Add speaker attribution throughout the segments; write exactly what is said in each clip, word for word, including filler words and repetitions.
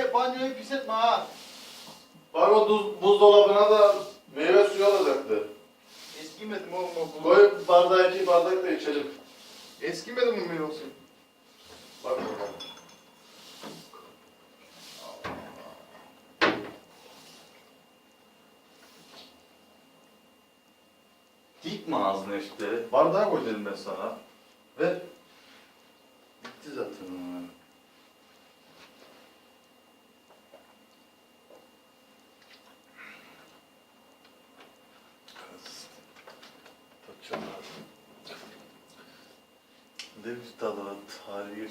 Speaker 1: Efe banyoyu pis etme ha.
Speaker 2: Bak o buz, buzdolabına da meyve suyu alacaktı.
Speaker 1: Eskimedi mi oğlum o buz?
Speaker 2: Koy bardağı iki bardak da içelim.
Speaker 1: Eskimedi mi meyve suyu?
Speaker 2: Bak bakalım. Dikme ağzını işte. Bardağa koy dedim ben sana. Ve bitti zaten. Çok lazım. Ne bir tadı var, tarihi.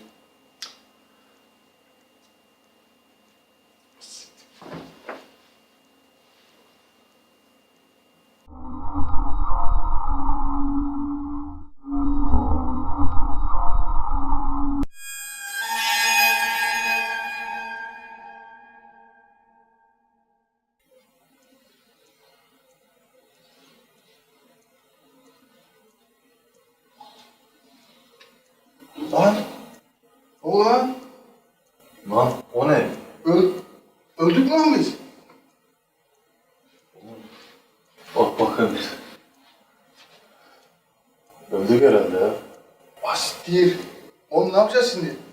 Speaker 1: Lan! Ulan!
Speaker 2: Lan o ne?
Speaker 1: Öl öldük mü lan biz?
Speaker 2: Bak bakın. Öldük herhalde ya.
Speaker 1: Basit değil. Oğlum ne yapacağız şimdi?